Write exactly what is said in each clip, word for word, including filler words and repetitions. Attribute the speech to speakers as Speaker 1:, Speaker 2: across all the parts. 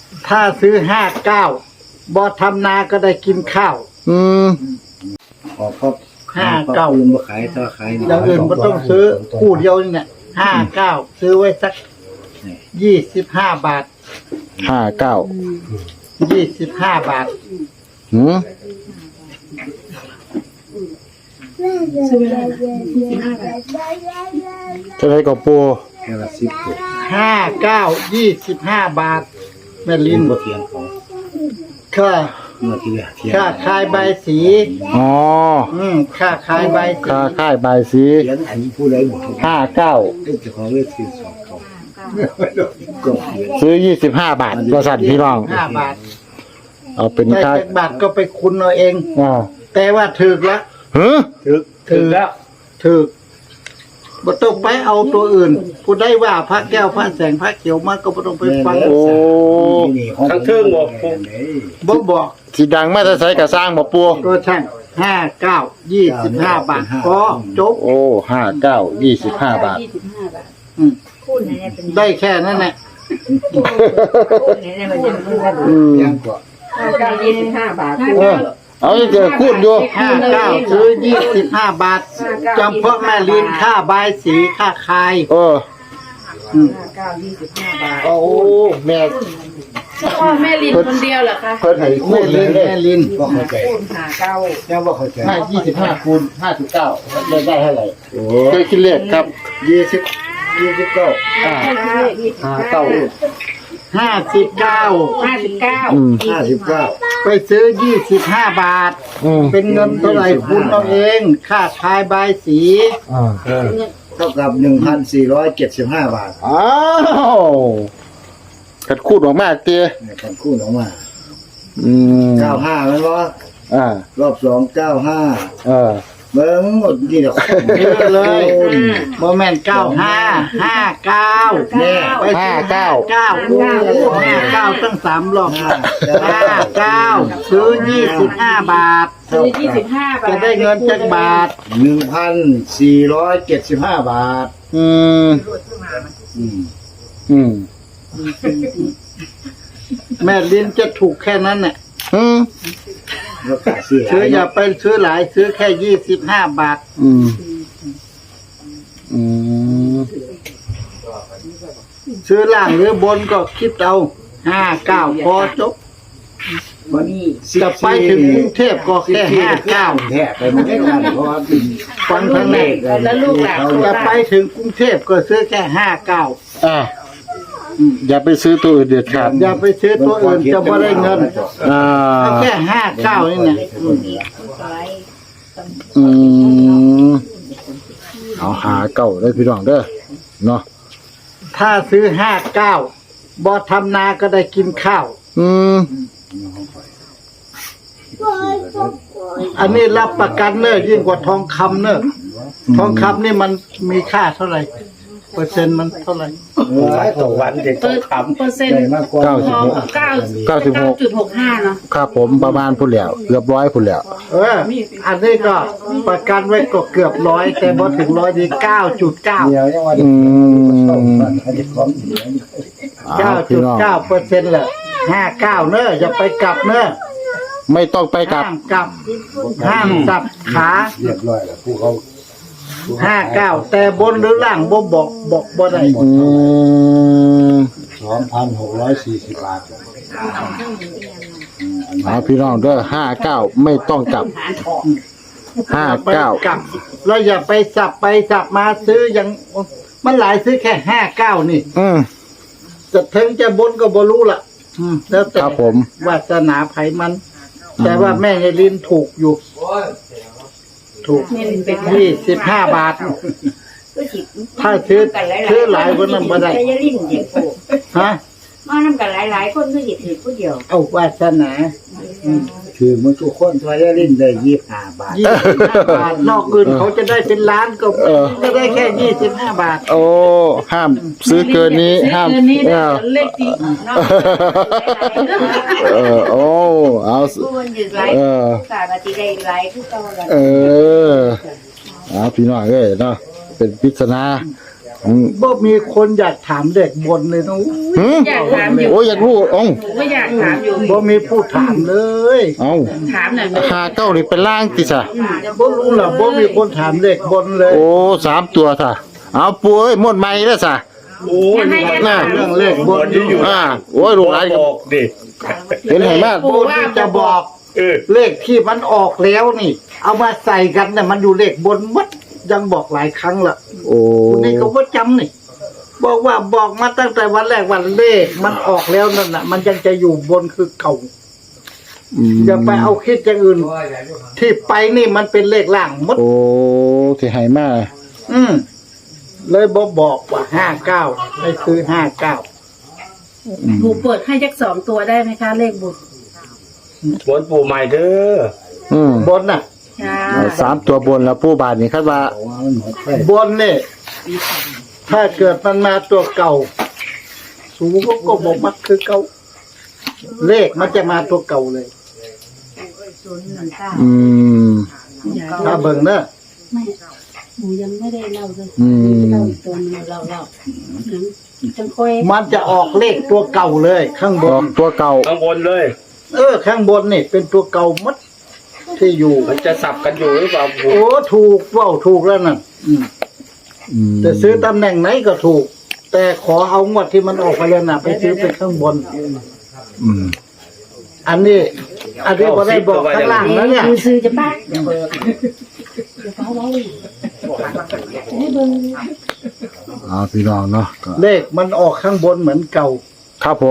Speaker 1: ถ้าซื้อห้าเก้าบอทำนาก็ได้กินข้าว
Speaker 2: อืม
Speaker 3: ขอครับ
Speaker 1: ห้าเก้า
Speaker 3: อื่นมาขายถ้าขาย
Speaker 1: อย่างอื่นก็ต้องซื้อคู่เดียวนี่เนี่ยห้าเก้าซื้อไว้สักยี่สิบห้าบาท
Speaker 2: ห้าเก้า
Speaker 1: ยี่สิบห้าบาท
Speaker 2: หืม
Speaker 4: ซื้อไม่ได้นะยี่สิบห้าบาท
Speaker 2: จะได้กับปู
Speaker 3: แค่ละสิบตัว
Speaker 1: ห้าเก้ายี่สิบห้าบาท แม่ลิ
Speaker 3: ลิ้
Speaker 1: น
Speaker 3: นบ่เทียงเขา
Speaker 1: ค่า
Speaker 3: เมื่อที่เทียง
Speaker 1: ค่าขายใบสี
Speaker 2: อ๋อ
Speaker 1: อืมค่าขายใบสี
Speaker 2: ค่าค่ายใบายสี
Speaker 3: เทียงอันนี้ผู้ใดบอก
Speaker 2: ห้าเก้า
Speaker 3: เจ้าของเลือกซื้อสองเขาก็เทียง
Speaker 2: ซื้อยี่สิบห้าบาทก็สั่นพี่น้อง
Speaker 1: ห้าบาท
Speaker 2: เอาเป็น
Speaker 1: ได้
Speaker 2: ค่า
Speaker 1: เจ็ดบาทก็ไปคุณเอาเอง
Speaker 2: อ่า
Speaker 1: แต่ว่าถึกละ
Speaker 2: เฮ้ย
Speaker 3: ถึก
Speaker 1: ถึกแล้วถึกบ่ต้องไปเอาตัวอื่นผู้ได้ว่าพระแก้วพระแสงพระเขียวมาก็บ่ต้องไปฟัง
Speaker 2: โอ้
Speaker 3: ทั้งเทิงบอก
Speaker 1: บ่บอก
Speaker 2: สีดังมาแต่ใส่กระสร้างบ่ปู
Speaker 1: ตัวช่างห้าเก้ายี่สิบห้าบาทก็จบ
Speaker 2: โอ้ห้าเก้ายี่สิบห้าบาท
Speaker 4: ยี่สิบห้าบาท
Speaker 1: อืม
Speaker 4: คูณไหนเนี่ยเป็น
Speaker 1: ได้แค่นั้นแหละ
Speaker 4: คูณไหนเนี่ยมันจะมันจะ
Speaker 2: อืม
Speaker 3: ยังก็
Speaker 4: ห้าเก้ายี่สิบห้าบาท
Speaker 2: เออเอาจะเจอคูดอยู่
Speaker 1: ห้าเก้าซื้อยี่สิบห้าบาทจำเพาะแม่ลินค่าใบายสีค่าคาย
Speaker 2: เออ
Speaker 1: อืม
Speaker 4: ห้าเก้ายี่สิบห้าบาท
Speaker 2: โอ้แม่
Speaker 4: พ่อแม่ลินคนเดียวเหรอคะ
Speaker 2: เพิ่นให้คู
Speaker 1: แม่
Speaker 2: ดเล
Speaker 1: ลิ
Speaker 2: ย
Speaker 1: น
Speaker 2: เลย
Speaker 1: แม่ลิน
Speaker 3: บ่เข้าใจ
Speaker 4: คูณห้าเก้า
Speaker 3: ยังบ่เข้าใจ
Speaker 2: ห้ายี่สิบห้าคูณห้าสิบเก้าได้ได้เท่าไหร่
Speaker 3: โอ้
Speaker 2: เคยคิดเลขครับ
Speaker 3: ยี่สิบยี่สิบเก้า
Speaker 2: อ่า
Speaker 4: ห้า
Speaker 2: ห้าเก้า
Speaker 1: ห้าสิบเก้า
Speaker 4: ห้าสิบเก้า
Speaker 2: อืม
Speaker 3: ห้าสิบเก้า
Speaker 1: ไปซื้อยี่สิบห้าบาท
Speaker 2: อืม
Speaker 1: เป็นเงินเท่าไหร่คุณเอาเอง ค่าคายใบายสี
Speaker 2: อ่า
Speaker 3: เท่ากับหนึ่งพันสี่ร้อยเจ็ดสิบห้าบาท
Speaker 2: อ้าวกัดคูดออกมาเตี้ย
Speaker 3: เนี่ยคนคู่ออกมา
Speaker 2: อืม
Speaker 3: เก้าห้าแล้ววะ
Speaker 2: อ่าร
Speaker 3: อบสองเก้าห้า
Speaker 2: เออ
Speaker 3: เบิ้งหมดนี่เดี๋ยว
Speaker 1: เยอะเลยโมเมนต์เก้าห้าห้าเก้า
Speaker 3: แน่
Speaker 1: ไปซื้อห้าเก้าโอ้ห้าเก้าตั้งสามรอบ
Speaker 3: ห้า
Speaker 1: ห้าเก้าซื้อยี่สิบห้าบาท
Speaker 4: ซื้อยี่สิบห้าบาท
Speaker 1: จะได้เงินจักบาท
Speaker 3: หนึ่งพันสี่ร้อยเจ็ดสิบห้าบาท
Speaker 2: อืม
Speaker 3: อืม
Speaker 2: อืม
Speaker 1: แม่ลิ้นจะถูกแค่นั้นเนี่ย
Speaker 2: อืม
Speaker 3: แล้วก็ซื้อ
Speaker 1: ซื้ออย่าไปซื้อหลายซื้อแค่ยี่สิบห้าบาท
Speaker 2: อืมอืม
Speaker 1: ซื้อล่างหรือบนก็คิดเอาห้าเก้าพอจบ
Speaker 3: วันนี้
Speaker 1: จะไปถึงกรุงเทพก็แค่ห้าเก้า
Speaker 3: แท้ไปไม่ได้กันเพราะว่าเป็น
Speaker 1: ฟังทางไหน
Speaker 4: แล้วลูกหลาน
Speaker 1: จะไปถึงกรุงเทพก็ซื้อแค่ห้าเก้า
Speaker 2: อ่าอย่าไปซื้อตัวอื่นเด็ดขาด
Speaker 1: อย่าไปซื้อตัวอื่นจะไม่ได้เงิน
Speaker 2: อ่า
Speaker 1: เอาแค่ห้าเก้านี่นะอืม
Speaker 2: อืมเอาหาเก่าได้พี่น้องเด้อเนาะ
Speaker 1: ถ้าซื้อห้าเก้าบอทำนาก็ได้กินข้าว
Speaker 2: อืม
Speaker 1: อันนี้รับประกันเนอะยิ่งกว่าทองคำเนอะทองคำนี่มันมีค่าเท่าไหร่ เปอร์เซ็นต์มันเท่าไหร่
Speaker 3: หลายต่อวันเด็ก
Speaker 4: เปอร์เปอร์เซ็นต์
Speaker 3: ได้มากกว่า
Speaker 2: เก้าสิบหก
Speaker 4: เก้า
Speaker 2: เก้าสิบหก
Speaker 4: จุดหกห้าเนาะ
Speaker 1: ครับ
Speaker 2: ผมประมาณพุ่นแล้วเกือบร้อยพุ่นแล้ว
Speaker 1: เออ อันนี้ก็ประกันไว้ก็เกือบร้อยแต่พอถึงร้อยดีเก้าจุดเก้า
Speaker 3: เดียวยังว่า
Speaker 2: อืม
Speaker 3: เขาจะของเสีย
Speaker 1: เก้า
Speaker 2: เอา
Speaker 1: จุ
Speaker 2: พี่
Speaker 1: ด
Speaker 2: น้อง
Speaker 1: เก้าเปอร์เซ็นต์เลยห้าเก้าเนอะอย่าไปกลับเนอะ
Speaker 2: ไม่ต้องไปกลับ
Speaker 1: ห้ามกลับ ห้ามสับขา
Speaker 3: เรียบร้อยแล้วผู้เขา
Speaker 1: ห้าเก้าแต่บนหรือล่างบ่บอกบอกบ่ได้
Speaker 2: อืม
Speaker 3: สองพันหกร้อยสี่สิบบาท
Speaker 2: เอาพี่น้องเด้อห้าเก้าไม่ต้องกลับห้า
Speaker 1: ไป
Speaker 2: เก้าก
Speaker 1: ลับแล้วอย่าไปสับไปสับมาซื้ออย่างมันหลายซื้อแค่ห้าเก้านี่
Speaker 2: อืม
Speaker 1: จะถึงจะบนก็บ่รู้ล่ะ อืมแล้วแต่
Speaker 2: ครับผม
Speaker 1: วาสนาไผมัน แต่ว่าแม่ยายลินถูกอยู่ ถูกยี่สิบห้าบาท ถ้าซื้อซื้อหลายคนนั้นบ่ได้
Speaker 4: จะลิ้นเด็กโผ
Speaker 1: ฮะ
Speaker 4: มานำกันหลายๆคนก็หยิบถือผู้เดียว
Speaker 1: เอาวาสนาอืม
Speaker 3: คือมันทุกคนทอยลิ้นได้ยี่สิบห้าบาท
Speaker 1: ยี่สิบห้าบาท นอกอื่นเขาจะได้เป็นล้านก็ก็ได้แค่ยี่สิบห้าบาท
Speaker 2: โอ้ห้ามซื้อเกินนี้ห้าม
Speaker 4: ซื้อเกินนี้
Speaker 2: เอ
Speaker 4: ได้
Speaker 2: อ
Speaker 4: เลขที่เนาะ
Speaker 2: เออโอ้เอา
Speaker 4: ผู้คนหยุดไลฟ์
Speaker 2: เออ
Speaker 4: สามาตีได้ไลฟ์คือเก่าแล้ว
Speaker 2: เออเอาพี่น้องเอ้ยเนาะเป็นปริศนาขอืม
Speaker 1: บ่มีคนอยากถามเด็กบนเลยนะ
Speaker 2: หืม
Speaker 3: อยากถามอยู่
Speaker 2: โอ้ยอยากรู้เอ้า
Speaker 3: ก็อยากถามอยู่
Speaker 1: บ่มีผู้ถามเลย
Speaker 2: เอ้า
Speaker 3: ถามหน่อย
Speaker 2: หาเก้านี่เป็นล่างติซะ
Speaker 1: บ่รู้ล่ะบ่มีคนถามเด็กบนเลย
Speaker 2: โอ้สามตัวซะเอาปูเอ้ยหมดใหม่แล้วซะ
Speaker 5: โอ้ย
Speaker 3: ให้แก
Speaker 2: น่ะ
Speaker 3: ถาม
Speaker 1: เรื่องเลขบน
Speaker 5: อยู่อยู่
Speaker 2: อ่าโอ้ยลูกหลาน
Speaker 5: บอกดิ
Speaker 2: เห็นไหมมาก
Speaker 1: บนที่จะบอก
Speaker 5: เออ
Speaker 1: เลขที่มันออกแล้วนี่ เอามาใส่กันเนี่ยมันอยู่เลขบนหมัดยังบอกหลายครั้งละ
Speaker 2: โอ้
Speaker 1: นี่เขาก็จำนี่บอกว่าบอกมาตั้งแต่วันแรกวันเลขมันออกแล้วนั่นน่ะ มันยังจะอยู่บนคือเก่า
Speaker 2: อืม
Speaker 1: อย่าไปเอาคิดอย่างอื่น ที่ไปนี่มันเป็นเลขล่างหมด
Speaker 2: โอ้ที่ให้มา
Speaker 1: อืมเลยบอกบอกว่าห้าเก้าให้ซื้อห้าเก้า
Speaker 3: ปู่เปิดให้จักสองตัวได้ไหมคะเลขบุตร
Speaker 5: บนปู่ใหม่เด้อ
Speaker 2: อืม
Speaker 1: บนน่ะ
Speaker 3: ค่ะ
Speaker 2: สามตัวบนแล้วปูบาทนี่คาดว่า
Speaker 1: บนเนี่ยถ้าเกิดมันมาตัวเก่า สูงก็ก็บอกมักคือเก่า เลขมันจะมาตัวเก่าเลย
Speaker 2: อืม
Speaker 1: ถ้าเบิ่งเนอะ
Speaker 4: ไม่หนูยังไม่ได้เล่าเลย
Speaker 2: อืม
Speaker 4: เล่าอีกตัวนึงเราเล่าจังค่อย
Speaker 1: มันจะออกเลขตัวเก่าเลย ข้างบ
Speaker 2: ออน กตัวเก่า
Speaker 5: ข้างบนเลย
Speaker 1: เออ ข้างบนนี่เป็นตัวเก่ามัดที่อยู่
Speaker 5: มันจะสับกันอยู่หรือเปล่าปู่
Speaker 1: โอ้ถูกเว่าถูกแล้วน่ะอืม
Speaker 2: อืม
Speaker 1: จะซื้อตำแหน่งไหนก็ถูก แต่ขอเอางวดที่มันออกไปแล้วน่ะ ไปซื้อเป็นข้างบน
Speaker 2: อืม
Speaker 1: อันนี้ อันนี้ก็ได้บอกข้างล่างแล้วเนี่ย
Speaker 4: คือซื้อจะป้าเดี๋ยวเปิดเดี๋ยวเขาไว้ให้เบิ่ง
Speaker 2: เอ่าพี่น้องเนาะก็
Speaker 1: เลขมันออกข้างบนเหมือนเก่า
Speaker 2: ครับผม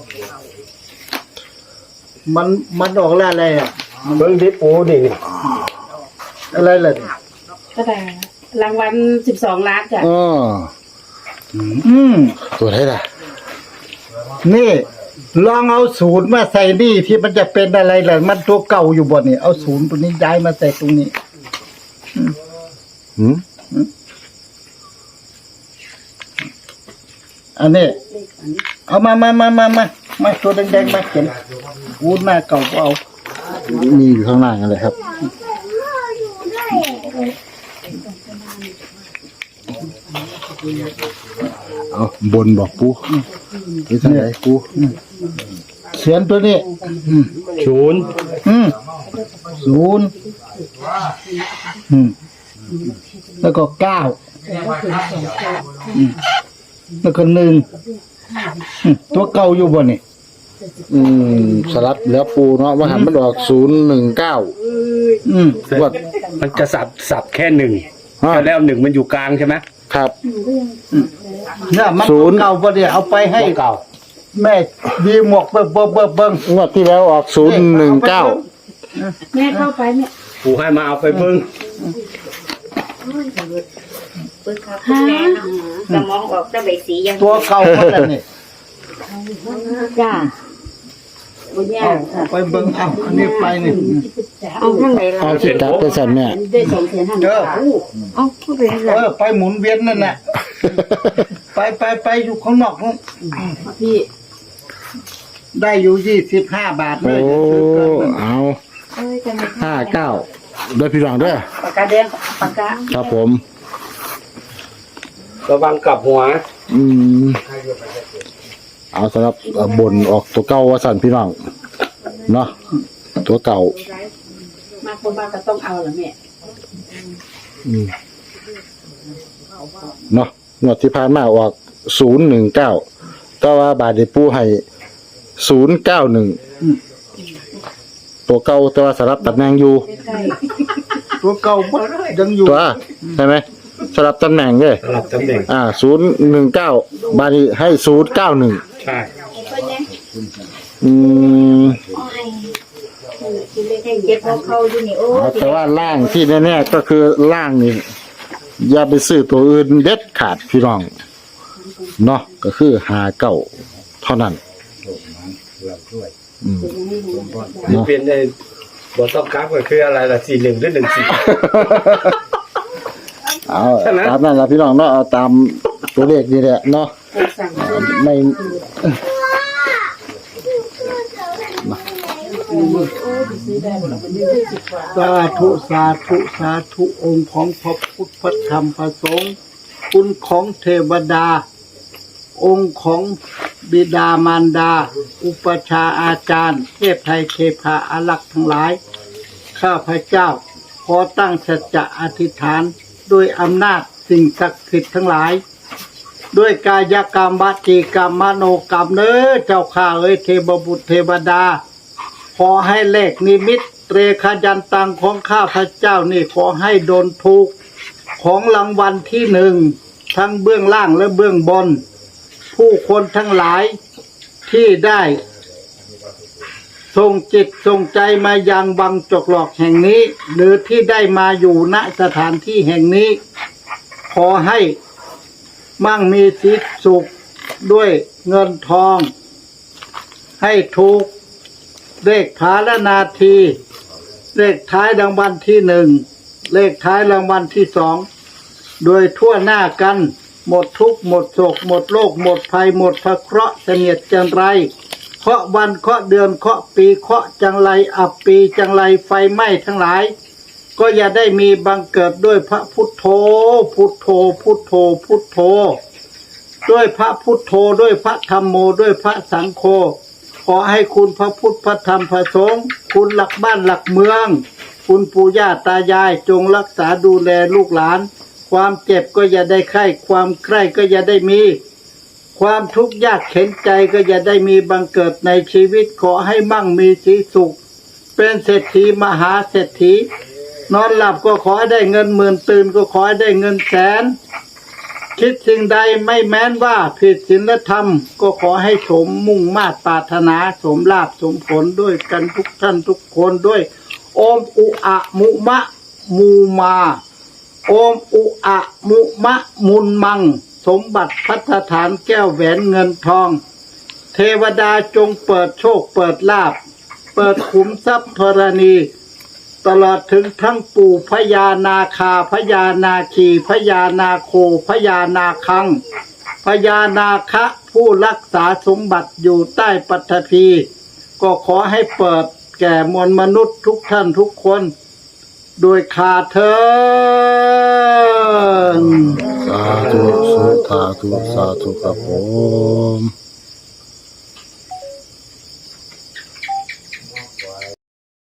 Speaker 1: มันมันออกแล้วอะไรอ่ะ
Speaker 5: เบิ่งที่ปู่ดิ
Speaker 1: อะไรล่ะ
Speaker 3: ก็ได้รางวัลสิบสองล้านจ้ะ
Speaker 2: เออ
Speaker 1: อืม
Speaker 2: ตัวไหนล่ะ
Speaker 1: นี่ลองเอาศูนย์มาใส่นี่ที่มันจะเป็นอะไรล่ะมันตัวเก่าอยู่บนนี่เอาศูนย์ตัวนี้ย้ายมาใส่ตรงนี้
Speaker 2: หืม
Speaker 1: อันนี้ เอามามามามามามาตัวแดงๆมาเขียนวูดหน้าเก่าก็เอา
Speaker 2: มีอยู่ข้างล่างอะไรครับ เอาบนบอกปูนี่ทางไหนปู
Speaker 1: เขียนตัวนี้ อืม
Speaker 5: ศูนย์
Speaker 1: อืมศูนย์อืมแล้วก็เก้าอืมแล้วก็หนึ่งอืมตัวเก่าอยู่บนนี่
Speaker 2: อืมสลับแล้วปูเนาะว่าหันมันออกศูนย์หนึ่งเก้า
Speaker 1: อืม
Speaker 2: ว่า
Speaker 5: มันจะสับสับแค่หนึ่ง
Speaker 2: ฮะ
Speaker 5: แล้วหนึ่งมันอยู่กลางใช่ไหม
Speaker 2: ครับ
Speaker 1: เนี่ยมัน
Speaker 2: ศู
Speaker 1: ตัวน
Speaker 2: ย์
Speaker 1: เก่าบนนี่เอาไปให้
Speaker 5: เก่า
Speaker 1: แม่ดีหมวกเบิ่งเบิ่งเบิ่งเบิ่ง
Speaker 2: งวดที่แล้วออกศูนย์หนึ่งเก้า
Speaker 4: แม่เข้าไปแม่
Speaker 5: ปู่ให้มาเอาไปเบิ่ง
Speaker 4: ฮะ
Speaker 3: สมองออกจะใบสียัง
Speaker 1: ตัวเก่าคนละนี่
Speaker 4: จ้าบุญญา
Speaker 1: เอาเอาไปเบิ่งเอาอันนี้ไปนี่
Speaker 4: เอาข้างไหนล่ะ
Speaker 2: เอาสิจับเป็นสันแม่
Speaker 4: ได้สองแสนห้า
Speaker 1: เออ
Speaker 4: เอาเข้าไป
Speaker 1: เออไปหมุนเวียนนั่นแหละไปไปไปอยู่ข้างนอกนู่น
Speaker 4: พี่
Speaker 1: ได้อยู่ยี่สิบห้าบาทเล
Speaker 2: โอ้
Speaker 1: ยจะซื้อเกินมัน
Speaker 2: เอา
Speaker 4: เอ้ยกัน
Speaker 2: ห้าเก้าด้วยพี่รองด้วย
Speaker 3: ปากกาแดงปากกา
Speaker 2: ครับผม
Speaker 5: ระวังกลับหัว
Speaker 2: อืมเอาสำหรับเอ่อบนออกตัวเก่าว่าสันพี่น้องเนาะตัวเก่า
Speaker 3: มาคนบ้านก็ต้องเอาเหรอแม่
Speaker 2: อืมเนาะงวดที่ผ่านมาออกศูนย์หนึ่งเก้าแต่ว่าบาทได้ปูให้ศูนย์เก้าหนึ่งตัวเก่าแต่ว่าสลับตำแหน่งอยู่
Speaker 1: ตัวเก่าหมดยังอยู่
Speaker 2: ตัวใช่ไหมสลับตำแหน่งเลย
Speaker 5: สลับตำแหน่ง
Speaker 2: อ่าศูนย์หนึ่งเก้าบาทนี้ให้ศูนย์เก้าหนึ่ง
Speaker 5: ใช่
Speaker 2: อืม
Speaker 3: เก็บของเขาอยู่นี่โอ้
Speaker 2: เอาแต่ว่าล่างที่แน่ๆก็คือล่างนี่อย่าไปซื้อตัวอื่นเด็ดขาดพี่น้องเนาะก็คือหาเก่าเท่านั้นอืมเนาะ
Speaker 5: เป็นในบทต้องกราฟก็คืออะไรล่ะสี่หนึ่งหรือหนึ่งสี่
Speaker 2: เอา
Speaker 5: ใช่ไหม
Speaker 2: ตามนั้นละพี่น้องเนาะเอาตามตัวเลขนี่แหละเนาะไม่
Speaker 1: สาธุสาธุสาธุองค์ของพระพุทธพระธรรมพระสงฆ์คุณของเทวดา องค์ของบิดามารดา อุปชฌาย์อาจารย์เทพไทยเทพาอารักษ์ทั้งหลาย ข้าพเจ้าขอตั้งสัจจะอธิษฐานด้วยอำนาจสิ่งศักดิ์สิทธิ์ทั้งหลาย ด้วยกายกรรมวจีกรรมมโนกรรมเน้อเจ้าข้าเอ้ยเทพบุตรเทวดา ขอให้เลขนิมิตเตรขยันตังของข้าพเจ้านี่ขอให้โดนถูกของรางวัลที่หนึ่งทั้งเบื้องล่างและเบื้องบน ผู้คนทั้งหลายที่ได้ส่งจิตส่งใจมายังวังจกหลอกแห่งนี้ หรือที่ได้มาอยู่ณสถานที่แห่งนี้ ขอให้มั่งมีสิทธิสุขด้วยเงินทอง ให้ถูกเลขผาละนาที เลขท้ายรางวัลที่หนึ่งเลขท้ายรางวัลที่สองโดยทั่วหน้ากันหมดทุกข์หมดโศกหมดโรคหมดภัยหมดพระเคราะห์เสนียดจังไรเคาะวันเคาะเดือนเคาะปีเคาะจังไรอับปีจังไรไฟไหม้ทั้งหลาย ก็อย่าได้มีบังเกิดด้วยพระพุทโธพุทโธพุทโธพุทโธด้วยพระพุทโธด้วยพระธรรมโมด้วยพระสังโฆขอให้คุณพระพุทธพระธรรมพระสงฆ์คุณหลักบ้านหลักเมืองคุณปู่ย่าตายายจงรักษาดูแลลูกหลานความเจ็บก็อย่าได้ไข้ความใกล้ก็อย่าได้มีความทุกข์ยากเข็นใจก็อย่าได้มีบังเกิดในชีวิตขอให้มั่งมีสีสุขเป็นเศรษฐีมหาเศรษฐีนอนหลับก็ขอให้ได้เงินหมื่นตื่นก็ขอให้ได้เงินแสนคิดสิ่งใดไม่แม้นว่าผิดศีลธรรมก็ขอให้สมมุ่งมาตรปรารถนาสมลาภสมผลด้วยกันทุกท่านทุกคนด้วยโอมอุอะมุมะมูมาโอมอุอะมุมะมุนมังสมบัติพัฒฐานแก้วแหวนเงินทองเทวดาจงเปิดโชคเปิดลาภเปิดขุมทรัพย์ธรณีตลอดถึงทั้งปู่พญานาคาพญานาคีพญานาโคพญานาคังพญานาคะผู้รักษาสมบัติอยู่ใต้ปฐพีก็ขอให้เปิดแก่มวลมนุษย์ทุกท่านทุกคนโดยขาเถิน
Speaker 2: สาธุสาธุสาธุครับผม